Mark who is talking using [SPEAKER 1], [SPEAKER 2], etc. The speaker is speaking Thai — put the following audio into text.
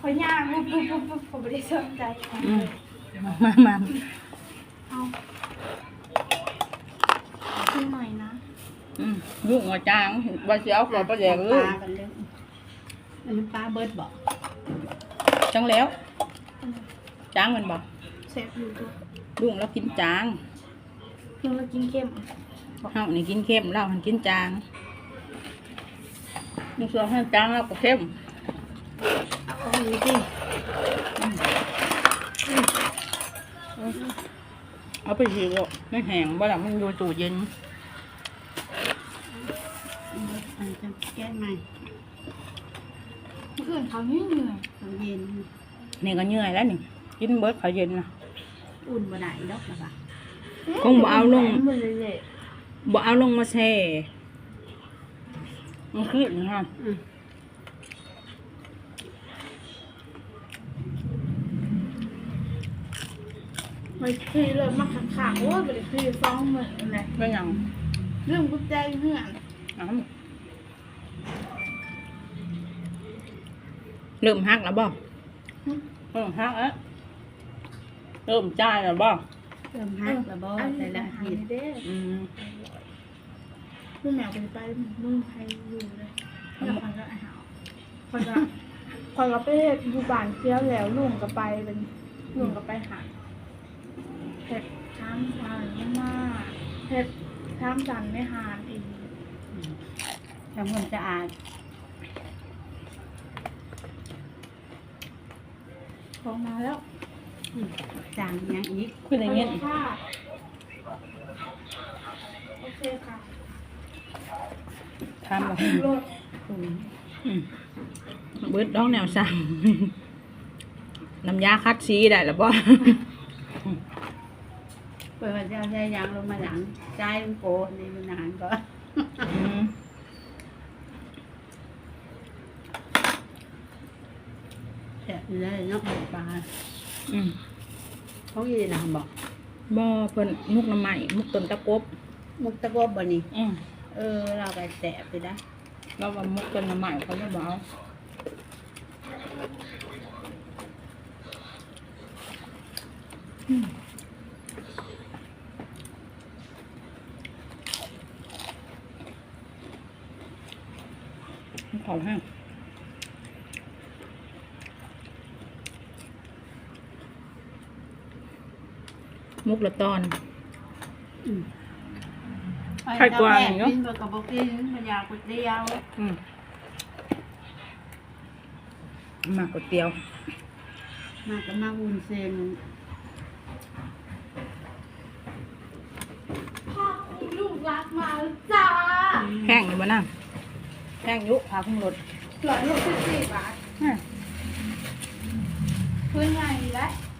[SPEAKER 1] เขาย่างปุ๊บผมไม่ได้สนใจ
[SPEAKER 2] มา
[SPEAKER 1] เอาขึ้นหน่อยนะ
[SPEAKER 2] ลูกหัวจางบาเสียวก่อนประเดี๋ยวลูก
[SPEAKER 3] อันนี้ปลาเบิร์ดบอก
[SPEAKER 2] จังแล้วจางมันบอก
[SPEAKER 1] เสร็จอยู่ตัว
[SPEAKER 2] ลูกแล้วกินจาง
[SPEAKER 1] เพียงเรากินเข้ม
[SPEAKER 2] เฮานี่กินเข้มเราหันกินจางลูกเสือให้จางเราก็เข้ม
[SPEAKER 1] เอาอยู่ดิ
[SPEAKER 2] เอาไปฉีกไม่แห้งบ่ล่ะมันอยู่ตู้เย็น
[SPEAKER 3] อันจะแก้ใหม่
[SPEAKER 1] เมื่อคืนเขาเหนื่อย
[SPEAKER 3] เขาเย็น
[SPEAKER 2] นี่ก็เหนื่อยแล้วนี่กินเบิร์ดเขาเย็นนะ
[SPEAKER 3] อุ่นบ่ได้ดอกนะป่ะ
[SPEAKER 2] คงบ่เอาลงบ่เอาลงมาแช่มันขึ้นนะ
[SPEAKER 1] ไม่คือเลยมาขังๆว่าเป็นคือฟ้องเหมือนอะไร
[SPEAKER 2] เป็นยัง
[SPEAKER 1] เรื่องกุญแจเงื่อน
[SPEAKER 2] เริ่มฮักแล้วบ่เริ่มฮักแล้วเริ่มจ่ายแล้วบ่
[SPEAKER 3] เริ่มฮักแล้วบ่แต่ละที
[SPEAKER 1] ลูกแมวไปมึงใครอยู่เลยแล้วคนก็อาหารคนก็ไปอยู่บ้านเที่ยวแล้วลุงก็ไปเป็นลุงก็ไปหาเห็ดช้างจานไม่มากเห็ดช้างจานไม่หานอีก
[SPEAKER 3] ทำความสะอาด
[SPEAKER 1] ของมาแล้ว
[SPEAKER 3] จางยังอีก
[SPEAKER 2] คืออย่างเงี้ย
[SPEAKER 1] โอเคค่ะ
[SPEAKER 2] ทำแบบเบิดดองแนวสั่งน้ำยาคัดซีได้หรือเปล่า
[SPEAKER 3] เปิดวันเจ้าใช้ยางลงมาหลังใจมันโกในนานก็แฉะเลยเนาะปลาเขาอยู่ในน้ำบอก
[SPEAKER 2] บ่เพิ่นมุกน้ำใหม่มุกต้นตะกบ
[SPEAKER 3] มุกตะกบบ่นี่เราไปแตะไปได้
[SPEAKER 2] เราว่ามุกต้นน้ำใหม่เขาไม่บอกของห้างมุกละตอน
[SPEAKER 3] ไข่กวางเนาะกินกับกกินมันอยากก๋วยเตี๋ยว
[SPEAKER 2] มาก๋วยเตี๋ยว
[SPEAKER 3] มากับมาวุ้นเส้น
[SPEAKER 1] พ่อลูกรักมาจ้า
[SPEAKER 2] แห้งอยู่บ้านั่งแห้งยุพาขึ้นรถ
[SPEAKER 1] 164 บาทพื้นใหญ่แล้ว